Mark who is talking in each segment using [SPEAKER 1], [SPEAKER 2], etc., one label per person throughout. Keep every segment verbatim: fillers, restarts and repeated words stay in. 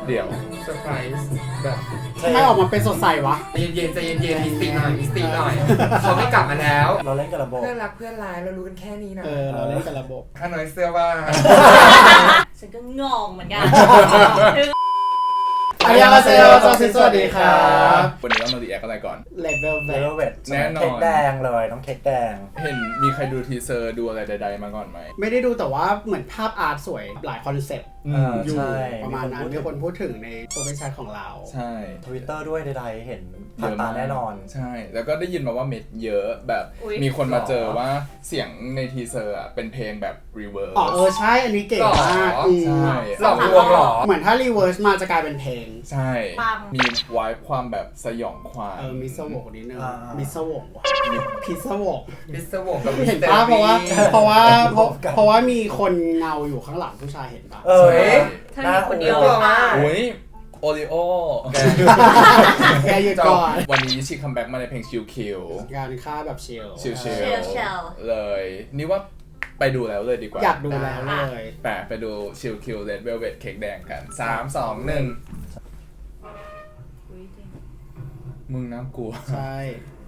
[SPEAKER 1] เดี๋ยว
[SPEAKER 2] เซอร์ไพรส์แบบ
[SPEAKER 3] ทำไมออกมาเป็นสดใสวะ
[SPEAKER 2] ใจเย็นๆใจเย็นๆมีสติหน่อยมีสติหน่อยเขาไม่กลับมาแล้ว
[SPEAKER 4] เราเล่นกับระบบ
[SPEAKER 2] เพื่อนรักเพื่อนร้ายเรารู้กันแค่นี้นะ
[SPEAKER 3] เออเราเล่นกับระบบ
[SPEAKER 2] ข้าน้อยเสื้อว่า
[SPEAKER 5] ฉันก็งงเหมือนกัน
[SPEAKER 3] อันยาเซลจอซิสวัสดีครับ
[SPEAKER 1] วันนี้เรามารีแอคอะไรก่อน
[SPEAKER 3] Level
[SPEAKER 4] เลเวท
[SPEAKER 1] แน่นอน
[SPEAKER 4] เค้กแดงเลยน้องเค้กแดง
[SPEAKER 1] เห็นมีใครดูทีเซอร์ดูอะไรใดๆมาก่อนไหม
[SPEAKER 3] ไม่ได้ดูแต่ว่าเหมือนภาพอาร์ตสวยหลายคอนเซ็ปต์อยู่ประมาณนั้นมีคนพูดถึงในโปรเฟชชั่นของเรา
[SPEAKER 1] ใช่
[SPEAKER 4] ทวิตเตอร์ด้วยใดๆเห็นผ่านตาแน่นอน
[SPEAKER 1] ใช่แล้วก็ได้ยินมาว่าเม็ดเยอะแบบมีคนมาเจอว่าเสียงในทีเซอร์อ่ะเป็นเพลงแบบรีเวิร์ส
[SPEAKER 3] อ๋อเออใช่อันนี้เก่งมาก
[SPEAKER 1] ใช่
[SPEAKER 2] หลอกลวงหรอ
[SPEAKER 3] เหมือนถ้ารีเวิร์สมาจะกลายเป็นเพลง
[SPEAKER 1] ใช่มีไวท์ความแบบสยองขวัญ
[SPEAKER 3] เออมิสวกนิดนึงมิสวกว่ะพิสวก
[SPEAKER 2] มิสวกกับ
[SPEAKER 3] เห็นป่ะเพราะว่าเพราะว่าเพราะว่ามีคนเงาอยู่ข้างหลังผู้ชายเห็นป่ะ
[SPEAKER 4] เออ
[SPEAKER 5] เธอมีคนเดียว
[SPEAKER 1] โอ้ยโอริโอ
[SPEAKER 3] แกอยู่ก่อน
[SPEAKER 1] วันนี้ชีคัมแบ็กมาในเพลงชิลคิว
[SPEAKER 3] งานค่าแบบเชล
[SPEAKER 1] ชิลชิลเลยนี่ว่าไปดูแล้วเลยดีกว่า
[SPEAKER 3] อยากดูแล้วเลย
[SPEAKER 1] แปะไปดูชิลคิวเลดเวลเวทเค้กแดงกันสามสองหนึ่งมึงน่ากลัว
[SPEAKER 3] ใช่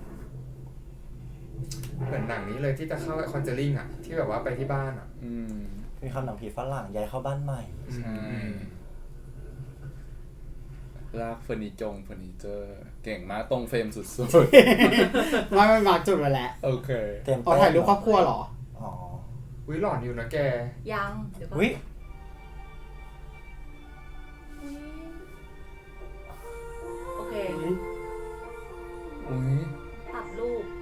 [SPEAKER 2] เหมือนหนังนี้เลยที่จะเข้าคอนเจอริ่งอ่ะที่แบบว่าไปที่บ้านอ่ะ
[SPEAKER 1] อืม
[SPEAKER 4] มีคำหนังผีฝรั่งย้ายเข้าบ้านใหม่
[SPEAKER 1] ใช่ลากเฟอร์นิจงเฟอร์นิเจอร์เก่งมากตรงเฟรมสุด
[SPEAKER 3] ๆไม่ไม่มาจุดมาแล้ว
[SPEAKER 1] โอเค
[SPEAKER 3] เอาถ่ายรูปครอบครัวเหรอ
[SPEAKER 4] อ๋อ
[SPEAKER 2] วิหลอนอยู่นะแก
[SPEAKER 5] ยังเดี๋ยวก่อน
[SPEAKER 4] วิ
[SPEAKER 5] โอเค
[SPEAKER 1] อุ้ย
[SPEAKER 5] ตัดรูป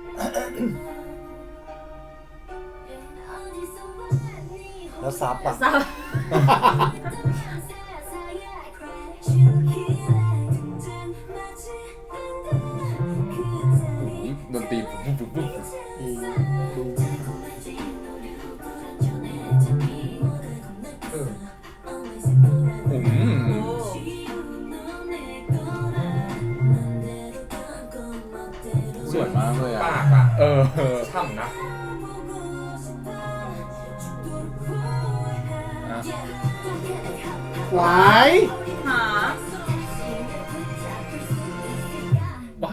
[SPEAKER 4] แล้วซับอ่ะ
[SPEAKER 1] ดนตรีปุ๊บปุ๊บปุ๊บ
[SPEAKER 2] เออ
[SPEAKER 1] อืมสวยมากเลยอ่ะ
[SPEAKER 2] ปากอ่ะ
[SPEAKER 1] เออ
[SPEAKER 2] ช่ำนะ
[SPEAKER 3] วาย
[SPEAKER 5] หา
[SPEAKER 1] ว้า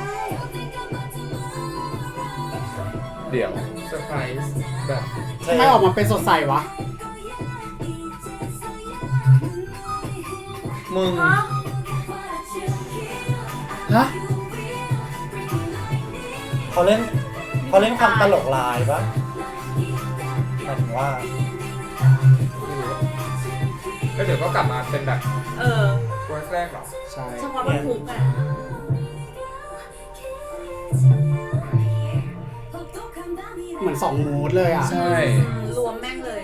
[SPEAKER 1] เดี๋ยว
[SPEAKER 2] เซอร์ไพรส์แบบ
[SPEAKER 3] ทำไมออกมาเป็นสดใสวะ
[SPEAKER 1] มึงฮะ
[SPEAKER 4] เขาเล่นเขาเล่นความตลกลายปะหมายถึงว่า
[SPEAKER 2] แล้วเดี๋ยวก็กลับมาเป็นแบบ
[SPEAKER 5] เออ
[SPEAKER 2] เวอร์สแรกหรอ
[SPEAKER 3] ใช่
[SPEAKER 5] เฉพาะมันฮุกอ่ะ
[SPEAKER 3] เหมือนสองมูดเลยอ่ะ
[SPEAKER 1] ใช่
[SPEAKER 5] รวมแม่งเลย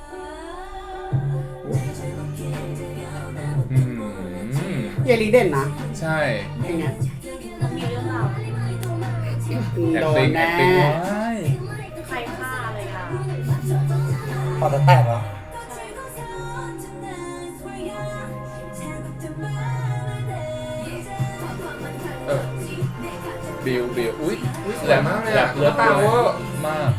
[SPEAKER 3] เยลีเด่นนะ
[SPEAKER 1] ใช่
[SPEAKER 3] อย่างเงี้ย
[SPEAKER 5] มีเรื่องราว
[SPEAKER 3] โดนแน่
[SPEAKER 5] ใครฆ่าอะไรอ่ะ
[SPEAKER 4] พอจะแตกเหรอ
[SPEAKER 2] เออ
[SPEAKER 1] บิวบิวอุ้ย
[SPEAKER 2] สวยมากเลยอ่ะ
[SPEAKER 1] เลือดตาเวอร์มาก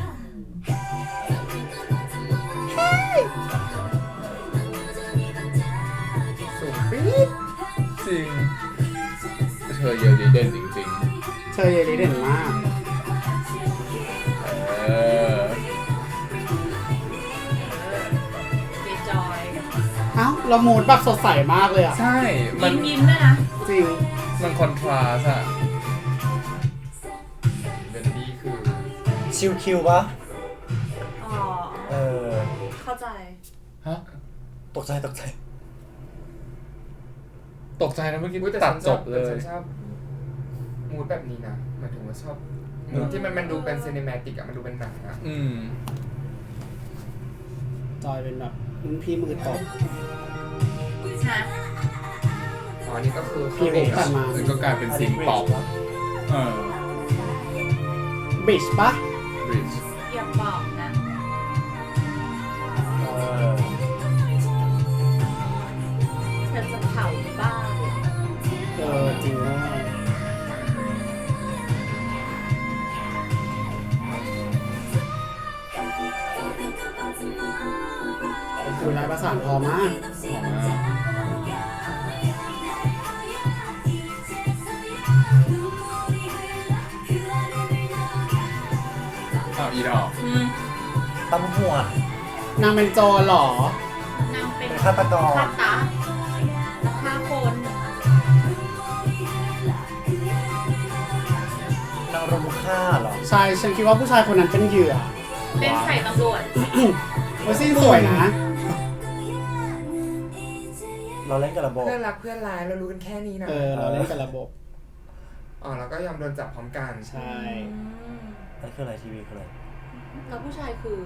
[SPEAKER 2] สูงปี๊ด
[SPEAKER 1] จริงเธอเยลีเด่นจริง
[SPEAKER 3] ๆเธอเยลีเด่นมาก
[SPEAKER 1] เออ
[SPEAKER 5] ดีจอย
[SPEAKER 3] เอ้าเรามูดแบบสดใสมากเลยอ่ะ
[SPEAKER 1] ใช่
[SPEAKER 5] มันยิ้มด้วยนะ
[SPEAKER 3] จริง
[SPEAKER 1] มันคอนทราสต์อะ
[SPEAKER 2] เป็นดีคือ
[SPEAKER 4] ชิวคิวปะ
[SPEAKER 5] อ๋อ
[SPEAKER 4] เออ
[SPEAKER 5] เข้าใจ
[SPEAKER 1] ฮะ
[SPEAKER 4] ตกใจตกใจ
[SPEAKER 1] ตกใจนะเมื่อกี้
[SPEAKER 2] ตัดจบเลยฉันชอบมูดแบบนี้นะหมายถึงว่าชอบมูดที่มันมันดูเป็นซีนิเมติกอะมันดูเป็นหนังอะ
[SPEAKER 1] อืม
[SPEAKER 3] จอยเป็นแบบรุ่นพี่มือตบ
[SPEAKER 2] อ๋อนี่ก็คือ
[SPEAKER 3] พี่เอกตัดมา
[SPEAKER 1] ก็กลายเป็นซิงป๊อปเออ
[SPEAKER 3] บิชปะ
[SPEAKER 1] บิช
[SPEAKER 5] อย่าบอกนะ
[SPEAKER 4] เออ
[SPEAKER 5] เธอจะเผาบ้า
[SPEAKER 3] เออจริงด้วยคือลายประสานพอมาก
[SPEAKER 4] ตำรวจ
[SPEAKER 3] นางเป็นโจรเหรอ
[SPEAKER 5] นางเป็น
[SPEAKER 4] เป็นฆาตกร
[SPEAKER 5] ฆาตะแล้วฆ่าคน
[SPEAKER 4] นางรมฆ่าเหรอ
[SPEAKER 3] ใช่ฉันคิดว่าผู้ชายคนนั้นเป็นเหยื่อ
[SPEAKER 5] เป็นใส่ตำรวจ
[SPEAKER 3] โอ้ยซี่สวยนะ
[SPEAKER 4] เราเล่นกับระบบ
[SPEAKER 2] เพื่อนรักเพื่อนร้ายเรารู้กันแค่นี้นะ
[SPEAKER 3] เออเราเล่นกับระบบ
[SPEAKER 2] อ๋อแล้วก็ยอมโดนจับพร้อมกัน
[SPEAKER 3] ใช่
[SPEAKER 5] อืม
[SPEAKER 4] นั่นคืออะไรทีวีคืออะไร
[SPEAKER 5] แล้วผู้ชายคือ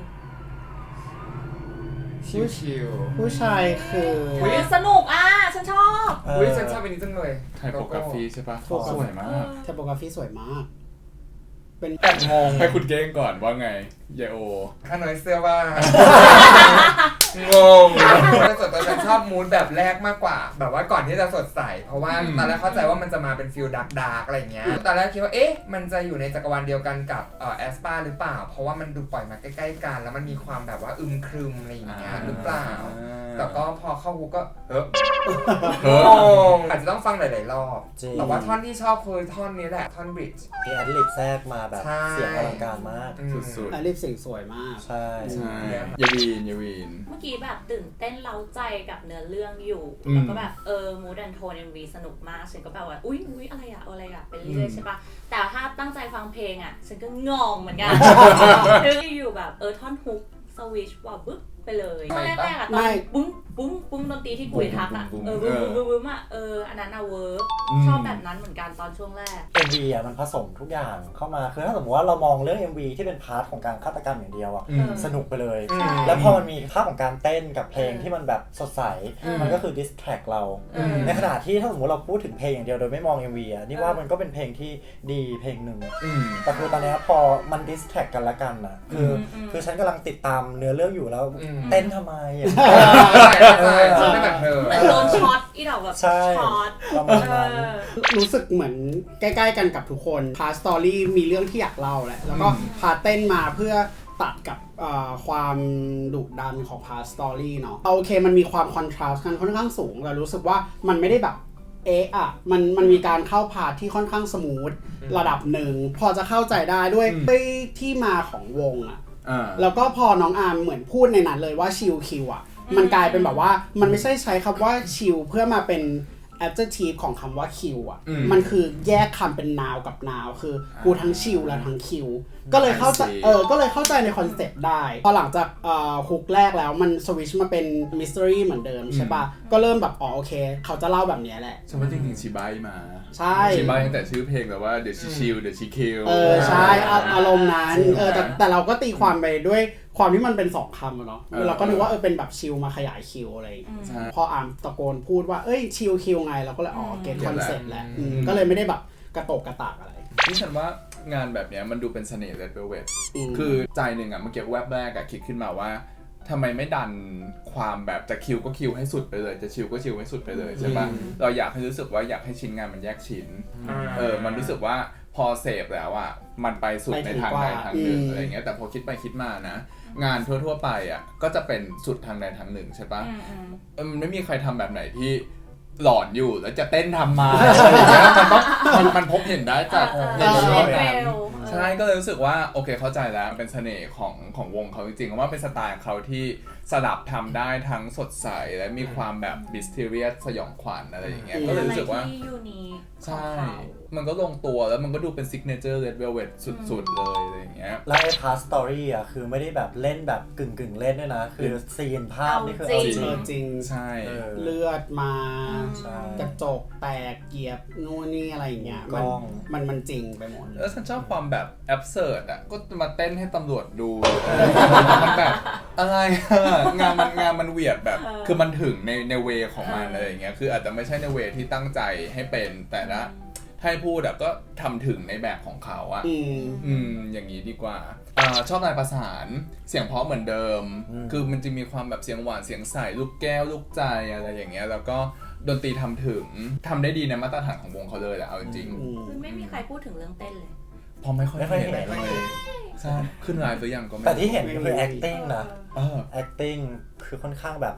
[SPEAKER 2] ชิว
[SPEAKER 3] ผู้ชายคือ
[SPEAKER 5] อุ๊ยสนุกอ่ะ ฉันชอบ
[SPEAKER 2] ๆอุ้ยฉันชอบอันนี้จังเลย
[SPEAKER 1] ไทโปกราฟีใช่ปะสวยมาก
[SPEAKER 3] เทปโปกราฟีสวยมาก เป็น
[SPEAKER 2] แอบงง
[SPEAKER 1] ให้คุณเก้งก่อนว่าไงเยโอ
[SPEAKER 2] ข้าน้อยเสื้อว่า งงแต่ส่วนตัวฉันชอบมูดแบบแรกมากกว่า แบบว่าก่อนที่จะสดใส เพราะว่า
[SPEAKER 1] อืม
[SPEAKER 2] ตอนแรกเข้าใจว่ามันจะมาเป็นฟิลดาร์กดาร์กอะไรเงี้ย ตอนแรกคิดว่า เอ๊ะ มันจะอยู่ในจักรวาลเดียวกันกับเอ่อแอสปาหรือเปล่า เพราะว่ามันดูปล่อยมาใกล้ๆกัน แล้วมันมีความแบบว่าอึมครึมอะไรอย่างเงี้ยหรือเปล่า แต่ก็พอเข้าฮุกก็เฮ้ย
[SPEAKER 1] เฮ้ย
[SPEAKER 2] งงอาจจะต้องฟังหลายๆรอบ
[SPEAKER 4] จริง
[SPEAKER 2] แต่ว่าท่อนที่ชอบคือท่อนนี้แหละ ท่อนบริดจ์
[SPEAKER 4] มีแอดลิบแทรกมาแบบ
[SPEAKER 2] ใช่
[SPEAKER 4] เสียงอลังการมาก
[SPEAKER 1] สุด
[SPEAKER 3] และรีบเสียงสวยมาก
[SPEAKER 4] ใช่
[SPEAKER 1] ๆ ใช่ยาวีนยาวีน
[SPEAKER 5] เมื่อกี้แบบตื่นเต้นเร้าใจกับเนื้อเรื่องอยู่
[SPEAKER 1] อืม
[SPEAKER 5] แล้วก็แบบเออมูดแอนโทน เอ็ม วี สนุกมาก ฉันก็แบบว่า อุ๊ยอุ๊ยอะไรอะอะไรอะเป็นเรื่อยๆใช่ปะแต่ถ้าตั้งใจฟังเพลงอะฉันก็งงเหมือนกัน คืออยู่แบบเออท่อนฮุกสวิชว่าบึ๊บไปเลยตอนแรกๆอะตอนปุ้งปุ้งปุ้งดนตรีที่กุยทักอะเออบึ้มบึ้มบึ้มบึ้มอะเอออันนั้นอะเวิร์กชอบแบบนั้นเหมือนกันตอนช่วงแรก
[SPEAKER 4] เอ็มวีอ่ะมันผสมทุกอย่างเข้ามาคือถ้าสมมติว่าเรามองเรื่อง เอ็ม วี ที่เป็นพาร์ทของการฆาตกรรมอย่างเดียวอ่ะ
[SPEAKER 1] อืม
[SPEAKER 4] สนุกไปเลย
[SPEAKER 2] อืม
[SPEAKER 4] แล้วพอมันมีภาพของการเต้นกับเพลง
[SPEAKER 5] เออ
[SPEAKER 4] ที่มันแบบสดใส
[SPEAKER 5] อืม
[SPEAKER 4] มันก็คือดิสแทรกเรา
[SPEAKER 5] เออ
[SPEAKER 4] ในขณะที่ถ้าสมมติเราพูดถึงเพลงอย่างเดียวโดยไม่มอง เอ็ม วี อ่ะนี่ว่า
[SPEAKER 5] เออ
[SPEAKER 4] มันก็เป็นเพลงที่ดีเพลงหนึ่ง
[SPEAKER 1] อืม
[SPEAKER 4] แต่คือตอนเนี้ยพอมันดิสแทรกกันละกันอ่ะคืออ
[SPEAKER 5] ม
[SPEAKER 4] คือฉันกำลังติดตามเนื้อเรื่องอยู่แล้ว
[SPEAKER 2] อืม
[SPEAKER 4] เต้นทำไมอ่ะ
[SPEAKER 2] ใช่ใช่ฉันไม่แบบเธอ
[SPEAKER 5] เหมือนโดนช็อตอีดอกแบบ
[SPEAKER 4] ใช่
[SPEAKER 5] ช็อต
[SPEAKER 4] ประมาณนั้น
[SPEAKER 5] เออ
[SPEAKER 3] รู้สึกเหมือนใกล้ๆกันกับทุกคนพาสตอรี่มีเรื่องที่อยากเล่าแหละ แล้วก็
[SPEAKER 1] อืม
[SPEAKER 3] พาเต้นมาเพื่อตัดกับเอ่อความดุดันของพาสตอรี่เนาะโอเคมันมีความคอนทราสต์กันค่อนข้างสูงแต่รู้สึกว่ามันไม่ได้แบบเอะอะมันมันมีการเข้าพาที่ค่อนข้างสมูท
[SPEAKER 2] อืม
[SPEAKER 3] ระดับหนึ่งพอจะเข้าใจได้ด้วย
[SPEAKER 1] อืม
[SPEAKER 3] ด้วยที่มาของวงอะ
[SPEAKER 1] อ่า
[SPEAKER 3] แล้วก็พอน้องอาร์มเหมือนพูดในนั้นเลยว่าชิลคิวอ่ะ
[SPEAKER 5] อืม
[SPEAKER 3] มันกลายเป็นแบบว่ามันไม่ใช่ใช้คำว่าชิลเพื่อมาเป็น adjective ของคำว่าคิวอ่ะ
[SPEAKER 1] อืม
[SPEAKER 3] มันคือแยกคำเป็น noun กับ noun คือกูทั้งชิลและทั้งคิวก็เลยเข้าใจ
[SPEAKER 1] I see
[SPEAKER 3] เออก็เลยเข้าใจในคอนเซปต์ได้ พอหลังจากเอ่อฮุกแรกแล้วมันสวิชมาเป็น mystery เหมือนเดิมใช่ปะก็เริ่มแบบอ๋อโอเค เขาจะเล่าแบบเนี้ยแหละ
[SPEAKER 1] ฉันว่าจริงๆชิบายมา
[SPEAKER 3] ใช่
[SPEAKER 1] ชิบายตั้งแต่ชื่อเพลงแบบว่า The She Chill The She Kill
[SPEAKER 3] เออใช่อาอารมณ์นั้น
[SPEAKER 1] จริง
[SPEAKER 3] เออแต่แต่เราก็ตีความไปด้วยความที่มันเป็นสองคำอะเนาะ
[SPEAKER 1] เออ
[SPEAKER 3] เราก็นึกว่าเออเป็นแบบชิลมาขยายคิวอะไรอย่างเงี้ย
[SPEAKER 1] ใช่
[SPEAKER 3] พออ่านตะโกนพูดว่าเอ้ยชิลคิวไงเราก็เลยอ๋อเก็ต
[SPEAKER 1] เก็
[SPEAKER 3] ค
[SPEAKER 1] ต
[SPEAKER 3] อน
[SPEAKER 1] แล้ว
[SPEAKER 3] เซ็ปต์แหละ
[SPEAKER 1] อืม
[SPEAKER 3] อืมก็เลยไม่ได้แบบกระโตกกระตากอะไร
[SPEAKER 1] นี่ฉันว่างานแบบเนี้ยมันดูเป็นเสน่ห์ Red Velvet
[SPEAKER 3] อืม
[SPEAKER 1] คือใจหนึ่งอ่ะเมื่อกี้แวบแรกอะคิดขึ้นมาว่าทำไมไม่ดันความแบบจะคิวก็คิวให้สุดไปเลย จะชิลก็ชิลให้สุดไปเลยใช่ปะ
[SPEAKER 2] อืม
[SPEAKER 1] เราอยากให้รู้สึกว่าอยากให้ชิ้นงานมันแยกชิ้น เออ มันรู้สึกว่าพอเสพแล้วอ่ะ มันไปสุดในทางใดทางหนึ่ง
[SPEAKER 3] อืม
[SPEAKER 1] อะไรเงี้ย แต่พอคิดไปคิดมานะ งานทั่วๆไปอ่ะ ก็จะเป็นสุดทางใดทางหนึ่งใช่ปะ
[SPEAKER 5] อืมอืม
[SPEAKER 1] เออมันไม่มีใครทำแบบไหนที่หลอนอยู่แล้วจะเต้นทำมาอะไรเงี้ยมันต้องมันมันพบเห็นได้จาก
[SPEAKER 5] เออ
[SPEAKER 1] ใน
[SPEAKER 5] เออ
[SPEAKER 1] เรื่อง
[SPEAKER 5] เออ
[SPEAKER 1] นั้น
[SPEAKER 5] เออ
[SPEAKER 1] ใช่ก็เลยรู้สึกว่าโอเคเข้าใจแล้วเป็นเสน่ห์ของของวงเขาจริงๆว่าเป็นสไตล์เขาที่สลับทำได้ทั้งสดใสและมีความแบบมิส t ทีเรียสสยองขวัญอะไรอย่างเงี้ยก็เลยรู้สึกว่า
[SPEAKER 5] เป็นอะไรที่ยูนิค
[SPEAKER 1] ใช่
[SPEAKER 5] ของเขา
[SPEAKER 1] มันก็ลงตัวแล้วมันก็ดูเป็นซิกเนเจอร์ Red Velvet สุดๆเลยอะไรอย่างเงี้ย
[SPEAKER 4] แล้วไอ้พาร์ทสตอรี่อ่ะคือไม่ได้แบบเล่นแบบกึ่งกึ่งๆเล่นด้วยนะ คือซีนภาพนี่คือเอาจ
[SPEAKER 3] เอ
[SPEAKER 4] ริง
[SPEAKER 3] อจริง
[SPEAKER 1] ใช่
[SPEAKER 4] เออ
[SPEAKER 3] เลือดมา
[SPEAKER 4] ใช่
[SPEAKER 3] กระจกแตกเหยียบนู่นนี่อะไรอย่างเงี้ย
[SPEAKER 4] ก
[SPEAKER 3] มั
[SPEAKER 4] ล้
[SPEAKER 3] น
[SPEAKER 4] อง
[SPEAKER 3] มันมันจริงไปหมดเลย
[SPEAKER 1] แล้วฉันชอบความแบบแอบเสิร์ตอ่ะก็มาเต้นให้ตำรวจดู มันแบบอะไรอะงานมันงานมันเวียดแบบ
[SPEAKER 5] เออ
[SPEAKER 1] คือมันถึงในในเวของมัน
[SPEAKER 5] เอออ
[SPEAKER 1] อะไรอย่างเงี้ยคืออาจจะไม่ใช่ในเวที่ตั้งใจให้เป็นแต่ละให้พูดอะก็ทำถึงในแบบของเขาอะ
[SPEAKER 3] อืม
[SPEAKER 1] อืมอย่างนี้ดีกว่าอ่าชอบลายประสานเสียงเพราะเหมือนเดิม
[SPEAKER 4] อืม
[SPEAKER 1] คือมันจะมีความแบบเสียงหวานเสียงใสลูกแก้วลูกใจอะไรอย่างเงี้ยแล้วก็ดนตรีทำถึงทำได้ดีในมาตรฐานของวงเขาเลยแหละเอาจริง
[SPEAKER 3] อืม
[SPEAKER 5] คือไม่มีใครพูดถึงเรื่องเต้นเลย
[SPEAKER 1] ๆพอไม่ค่อย
[SPEAKER 4] ไม่ค่อย
[SPEAKER 1] เห็น
[SPEAKER 4] เห็น
[SPEAKER 1] เลยใช่ขึ้นไลฟ์หรือยังก็ไม่
[SPEAKER 4] แต่ที่เห็นก็คือ acting นะ
[SPEAKER 1] เออ
[SPEAKER 4] acting คือค่อนข้างแบบ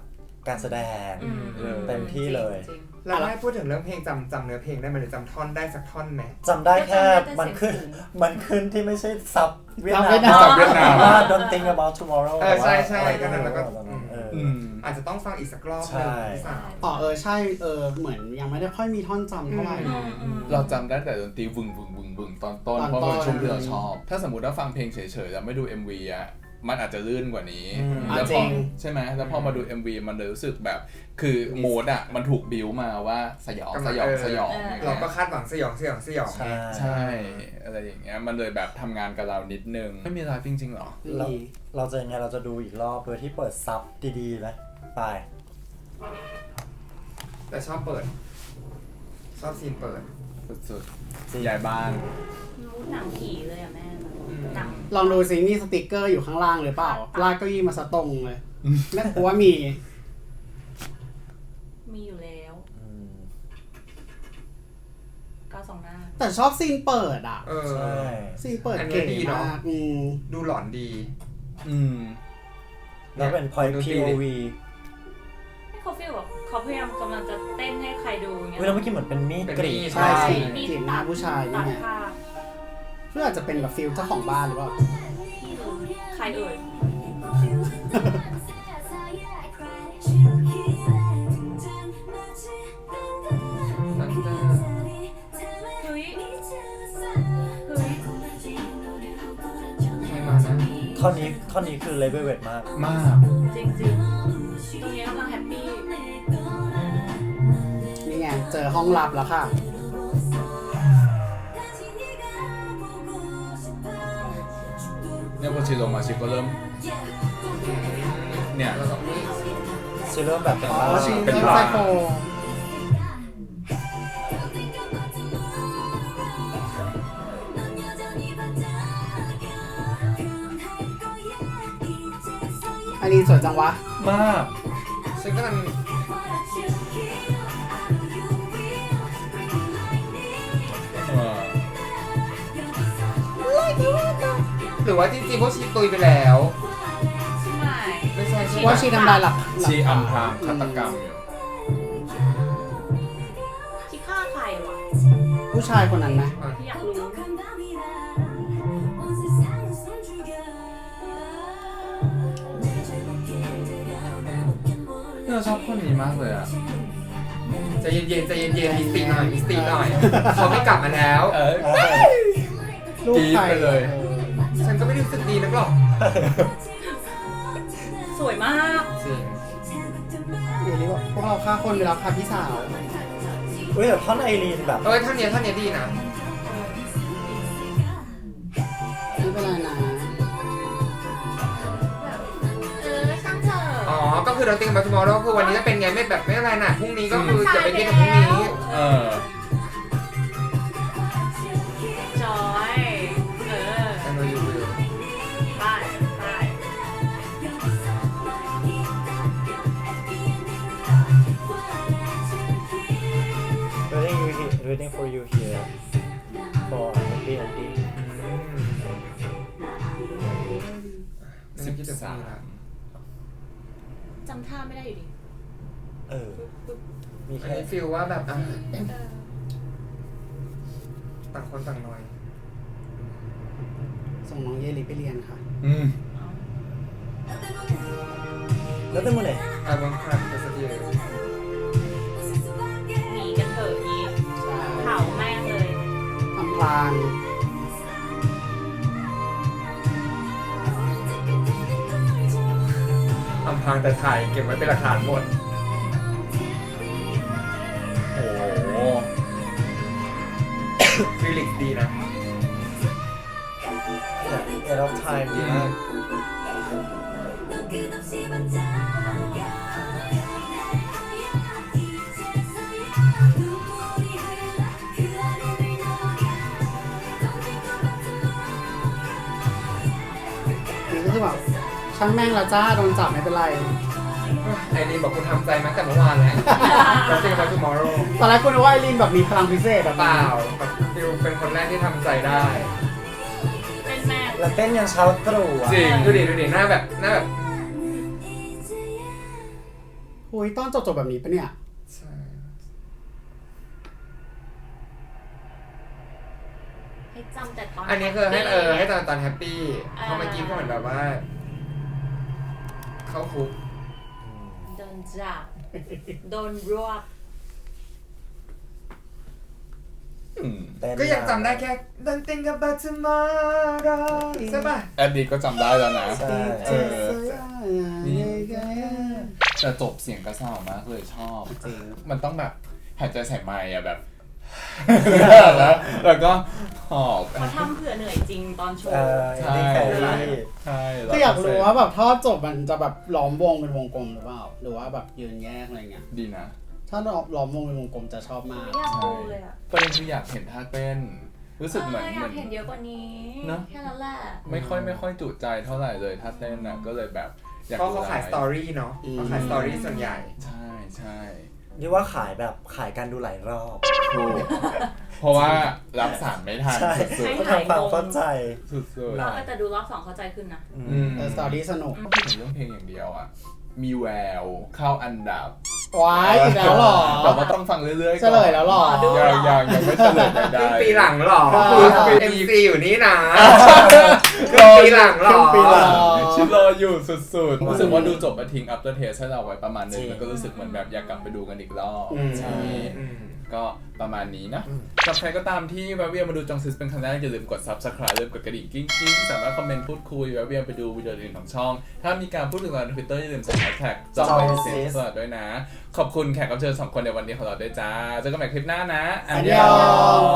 [SPEAKER 4] การแสดง
[SPEAKER 5] อืม
[SPEAKER 1] เออ
[SPEAKER 4] เต็มที่เลย
[SPEAKER 5] จริง
[SPEAKER 2] แล้วให้พูดถึงเรื่องเพลงจำจำเนื้อเพลงได้ไหมหรือจำท่อนได้สักท่อนไหม
[SPEAKER 4] จำได้แค่
[SPEAKER 5] ก็จำได้แต่
[SPEAKER 4] มันขึ้น
[SPEAKER 5] เสียงสูง
[SPEAKER 4] มันขึ้นที่ไม่ใช่ซับเวียด
[SPEAKER 3] ซับ
[SPEAKER 4] นา
[SPEAKER 3] เวียดนาม
[SPEAKER 4] ม
[SPEAKER 1] ซับเวียดนาม
[SPEAKER 4] ว่า Don't think about tomorrow
[SPEAKER 2] เออใช่ใช่
[SPEAKER 4] อะไร
[SPEAKER 2] ก็นั่นแล้วก็
[SPEAKER 4] ตอนนั้นเออ
[SPEAKER 1] อืม
[SPEAKER 2] อาจจะต้องฟังอีกสักรอบห
[SPEAKER 4] ใช่
[SPEAKER 2] นึ่งพี่สาว
[SPEAKER 3] อ๋อเออใช่เออเหมือนยังไม่ได้ค่อยมีท่อนจำเท่าไหร่
[SPEAKER 5] อืมอืม
[SPEAKER 1] เราจำได้แต่ดนตรีวึงวึงวึงวึงตอนต้น
[SPEAKER 3] ตอน
[SPEAKER 1] เพราะมันเป็น
[SPEAKER 3] ต้น
[SPEAKER 1] ช่วงที่เราชอบ ถ้าสมมติว่าฟังเพลงเฉยๆแล้วไม่ดู เอ็ม วี อ่ะมันอาจจะลื่นกว่านี้
[SPEAKER 4] อืม
[SPEAKER 1] แล้วพ
[SPEAKER 3] จริ
[SPEAKER 1] อง ใช่ไหมแล้วพอมาดู เอ็ม วี มันเลยรู้สึกแบบ คือโมดอ่ะมันถูกบิวมาว่าสยองสยองสยองอย่าง
[SPEAKER 2] เรา
[SPEAKER 1] เงี้ย
[SPEAKER 2] ก็คาดหวังสยองสยองสยอง
[SPEAKER 4] ใช่
[SPEAKER 1] ใช่อะไรอย่างเงี้ยมันเลยแบบทำงานกับเรานิดนึงไม่มีไลฟ์จริงๆหรอ
[SPEAKER 4] เรา
[SPEAKER 3] นี่
[SPEAKER 4] เราจะยังไงเราจะดูอีกรอบโดยที่เปิดซับดีๆไหมไป
[SPEAKER 2] แต่ชอบเปิด ชอบซีนเปิด
[SPEAKER 1] สุดๆย้ายบ้าน
[SPEAKER 5] รู้หนังผีเลยอ่ะแม่
[SPEAKER 2] อืม
[SPEAKER 5] หนัง
[SPEAKER 3] ลองดูซิมีสติกเกอร์อยู่ข้างล่างหรือเปล่าลากเก้าอี้มาสตรงเลยแม่กูว่ามี
[SPEAKER 5] มีอยู่แล้ว
[SPEAKER 4] อืม
[SPEAKER 5] ก้าวสองหน้า
[SPEAKER 3] แต่ชอบซีนเปิดอ่ะ
[SPEAKER 2] เออ
[SPEAKER 4] ใช่
[SPEAKER 3] ซีนเปิด
[SPEAKER 2] อันเนี้
[SPEAKER 3] เก๋
[SPEAKER 2] ยดีเนอะ
[SPEAKER 3] มากอืม
[SPEAKER 2] ดูหลอนดี
[SPEAKER 1] อืม
[SPEAKER 4] แล้วเป็น point
[SPEAKER 2] ดู
[SPEAKER 4] พี
[SPEAKER 2] ดี
[SPEAKER 4] โอ
[SPEAKER 2] ดิ
[SPEAKER 4] วี
[SPEAKER 5] ให้เขาฟีลแบบเขาพยายามกำลังจะเต้นให้ใครดูอย่างเงี้ย
[SPEAKER 4] เวลาเมื่อกี้เหมือนเป็นมีด
[SPEAKER 2] เป็น
[SPEAKER 4] กรี
[SPEAKER 2] มี
[SPEAKER 4] ด
[SPEAKER 2] ด
[SPEAKER 3] ใช่
[SPEAKER 2] ใช่
[SPEAKER 3] กรีดกรีดหน้าผู้ชาย
[SPEAKER 5] ตั
[SPEAKER 3] นี่
[SPEAKER 5] ด
[SPEAKER 3] ไง
[SPEAKER 5] ภาพ
[SPEAKER 3] เพื่ออาจจะเป็นแบบฟิลเจ้าของบ้านหรือเปล่า
[SPEAKER 5] ที่ดูใครเอ่ย
[SPEAKER 2] นั่นจะ
[SPEAKER 5] เฮ้ยเฮ้ย
[SPEAKER 2] ใครมานะ
[SPEAKER 4] ท่อนนี้ท่อนนี้คือเลเวลเวทมาก
[SPEAKER 1] มาก
[SPEAKER 5] จริงจริงๆตรงนี้กำลังแฮปปี้
[SPEAKER 3] นี่ไงเจอห้องลับแล้วค่ะ
[SPEAKER 1] เนี่ยพอชิลงมาชิก็เริ่ม เนี่ย
[SPEAKER 2] แล้วก็มี
[SPEAKER 4] ซีเริ่มแบบเป็น
[SPEAKER 3] อ๋อ
[SPEAKER 4] บ้า
[SPEAKER 3] ชิง
[SPEAKER 1] เป็น
[SPEAKER 3] เล่น
[SPEAKER 1] บ้า
[SPEAKER 3] ไซโค อันนี้สวยจังวะ
[SPEAKER 1] มาก
[SPEAKER 2] ฉันกำลัง
[SPEAKER 1] เออ
[SPEAKER 2] หรือว่าจริงๆพวกชีตุยไปแล้ว
[SPEAKER 5] ไม่
[SPEAKER 2] ไม่ใช่ใช่
[SPEAKER 3] ว่าชีทำลายหลัก
[SPEAKER 1] ชีอำพรางฆาตกรรมอยู่
[SPEAKER 5] ที่ฆ่าใครวะ
[SPEAKER 3] ผู้ชายคนนั้นไหม
[SPEAKER 5] ที่อยากรู้
[SPEAKER 1] เนี่ยเราชอบคนนี้มากเลยอ่ะ
[SPEAKER 2] ใจเย็นๆใจเย็นๆมีสติหน่อยมีสติหน่อยเขาไม่กลับมาแล้ว
[SPEAKER 1] เออ
[SPEAKER 3] ลูกใคร
[SPEAKER 1] กรี๊ดไปเลย
[SPEAKER 2] ฉันก็ไม่ได้รู้สึกดีนักหรอก
[SPEAKER 5] สวยมาก
[SPEAKER 2] จริง
[SPEAKER 3] เดี๋ยวนี้บอกพวกเราฆ่าคนไปแล้วค่ะพี่สาว
[SPEAKER 4] เฮ้ยแต่ท่อนไอรีนแบบ
[SPEAKER 2] เอ้ยท่านเนี้ยท่านเนี้ยดีนะ
[SPEAKER 3] ไม่เป็นไรนะ
[SPEAKER 5] เออช่างเถอะ
[SPEAKER 2] อ๋อก็คือเราติงมาทูมอร์โรคือวันนี้จะเป็นไงไม่แบบไม่อะไรนะพรุ่งนี้ก็คือจะไปเรียนกับพรุ่งนี้
[SPEAKER 1] เออ
[SPEAKER 5] จอยเออ
[SPEAKER 2] แต่โนยูวิว
[SPEAKER 5] ไปไป
[SPEAKER 4] reading you here reading for you here for happy ending
[SPEAKER 2] สิบคิดถึงพรุ่งนี้ละ
[SPEAKER 5] จำท่าไม่ได้อยู่ดี
[SPEAKER 4] เออ มี
[SPEAKER 2] อัน
[SPEAKER 4] แค่
[SPEAKER 2] นี้ฟีลว่าแบบอ่ะต่างคนต่างหน่อย
[SPEAKER 3] ส่งน้องเยลิไปเรียนค่ะ
[SPEAKER 1] อืม
[SPEAKER 4] แล้วแต่มือไหน
[SPEAKER 2] I want crap to see you
[SPEAKER 5] หนีกันเถอะยี
[SPEAKER 3] ใช่
[SPEAKER 5] เผาแม่งเลย
[SPEAKER 3] อำพราง
[SPEAKER 2] อำพรางแต่ถ่ายเก็บไว้เป็นหลักฐานหมด
[SPEAKER 1] โอ้โห
[SPEAKER 2] ฟิลิกดีนะ
[SPEAKER 4] เนี่ย end of time ดีมาก
[SPEAKER 3] นี่ก็คือแบบช่างแม่งละจ้าโดนจับไม่เป็นไร
[SPEAKER 2] ไอรีนบอกคุณทำใจมาตั้งแต่เมื่อวานแล้วเราติงมาทูมอร์โร
[SPEAKER 3] ตอนแรกกูนึกว่าไอรีนแบบมีพลังพิเศษแบบ
[SPEAKER 2] เปล่าแบบฟิลเป็นคนแรกที่ทำใจได้
[SPEAKER 5] เป็นแม่
[SPEAKER 4] แล้วเต้นยันเช้าตรู่อ่ะ
[SPEAKER 1] จริง
[SPEAKER 2] ดูดิดูดิหน้าแบบหน้าแบบ
[SPEAKER 3] หอุ้ยตอนจบๆแบบนี้ปะเนี่ย
[SPEAKER 2] ใช่
[SPEAKER 5] ให้จำแต่ตอน
[SPEAKER 2] อันนี้คือให้เออให้ตอนตอนแฮปปี้
[SPEAKER 5] อ่า
[SPEAKER 2] เพราะเมื่อกี้ก็เหมือนแบบว่า เข้าคุก
[SPEAKER 5] โดนจับโดนรวบ
[SPEAKER 1] อืม
[SPEAKER 4] เต้น
[SPEAKER 2] ก็ยังจำได้แค่ Don't think about tomorrow ใช่ป่ะ
[SPEAKER 1] แอดดีก็จำได้แล้วนะ
[SPEAKER 4] ใช่
[SPEAKER 1] เออแต่จบเสียงกระเซ้ามากเลยชอบ
[SPEAKER 3] จริง
[SPEAKER 1] มันต้องแบบหายใจใส่ไมค์อะแบบ แล้วแล้วก็หอบ
[SPEAKER 5] เขาทำเผื่อเหนื่อยจริงตอนโช
[SPEAKER 4] เอ
[SPEAKER 5] ว์
[SPEAKER 4] อนี่แครี่
[SPEAKER 1] ใช่
[SPEAKER 3] ก็อยากรู้ว่าแบบถ้าจบมันจะแบบล้อมวงเป็นวงกลมหรือเปล่า หรือว่าแบบยืนแยกอะไรเงี้ย
[SPEAKER 1] ดีนะ
[SPEAKER 3] ถ้าล้อมวงเป็นวงกลมจะชอบมาก
[SPEAKER 5] ไม่อยากดูเลยอ่ะ
[SPEAKER 1] ประเด็นคืออยากเห็นท่าเต้น รู้สึกเหมือน
[SPEAKER 5] อออ
[SPEAKER 1] เหมื
[SPEAKER 5] ยา
[SPEAKER 1] อก น
[SPEAKER 5] เห็นเยอะกว่านี้
[SPEAKER 1] เนอะ
[SPEAKER 5] แค่นั้นแหละ
[SPEAKER 1] ไม่ค่อยไม่ค่อยจุใจเท่าไหร่เลยท่าเต้นน่ะก็เลยแบบอยาก
[SPEAKER 2] เพราะ
[SPEAKER 1] ดู
[SPEAKER 2] เขาขายสตอรี่เนาะเขาขายสตอรี่ส่วนใหญ่
[SPEAKER 1] ใช่ใช่
[SPEAKER 4] นี่ว่าขายแบบขายการดูหลายรอบ
[SPEAKER 1] ถูกเพราะว่ารับสารไม่ทัน
[SPEAKER 4] ใช่
[SPEAKER 1] สุด
[SPEAKER 4] ต้องทำความเข้าใจ
[SPEAKER 1] ๆสุด
[SPEAKER 4] ห
[SPEAKER 1] ๆ
[SPEAKER 4] น่
[SPEAKER 5] เออแต่ดูรอบสองเข้าใจขึ้นนะ
[SPEAKER 4] อืม
[SPEAKER 1] อืม
[SPEAKER 3] แต่สตอรี่สนุก
[SPEAKER 1] พูดถึงเรื่องเพลงอย่างเดียวอ่ะ มีแววเข้าอันดับ
[SPEAKER 3] ว้ายอีกแล้วเหรอ
[SPEAKER 1] แต่ว่าต้องฟังเรื่อยๆ
[SPEAKER 3] เฉลยแล้วเหรอ
[SPEAKER 5] ดู
[SPEAKER 1] ยังยังยังไม่เฉลยใด
[SPEAKER 2] ครึ่ง
[SPEAKER 1] ๆ
[SPEAKER 2] ปีหลังหรอ
[SPEAKER 3] อ่า
[SPEAKER 2] เอ็มซีอยู่นี่นะครึ่งปีหลังหรอ
[SPEAKER 3] ครึ่งปีหลัง
[SPEAKER 1] ชิรออยู่สุดๆรู้สึกว่าดูจบมาทิ้ง after taste ให้เราไว้ประมาณนึง
[SPEAKER 4] จริง
[SPEAKER 1] แล้วก็รู้สึกเหมือนแบบอยากกลับไปดูกันอีกรอบ
[SPEAKER 3] อืม
[SPEAKER 1] ใช่
[SPEAKER 2] อืม
[SPEAKER 1] ก็ประมาณนี้นะ
[SPEAKER 4] อืม
[SPEAKER 1] สำหรับใครก็ตามที่แวะเวียนมาดูจองซิสเป็นครั้งแรกอย่าลืมกด subscribe ลืมกดกระดิ่งกิ้งกิ้งสามารถคอมเมนต์พูดคุยแวะเวียนไปดูวิดีโออื่นของช่อง ถ้ามีการพูดถึงเราใน Twitter อย่าลืมใส่ hashtag จองซิสตลอดด้วยนะ ขอบคุณแขกรับเชิญสองคนในวันนี้ของเราด้วยจ้าเจอกันใหม่คลิปหน้านะ
[SPEAKER 3] อันยอง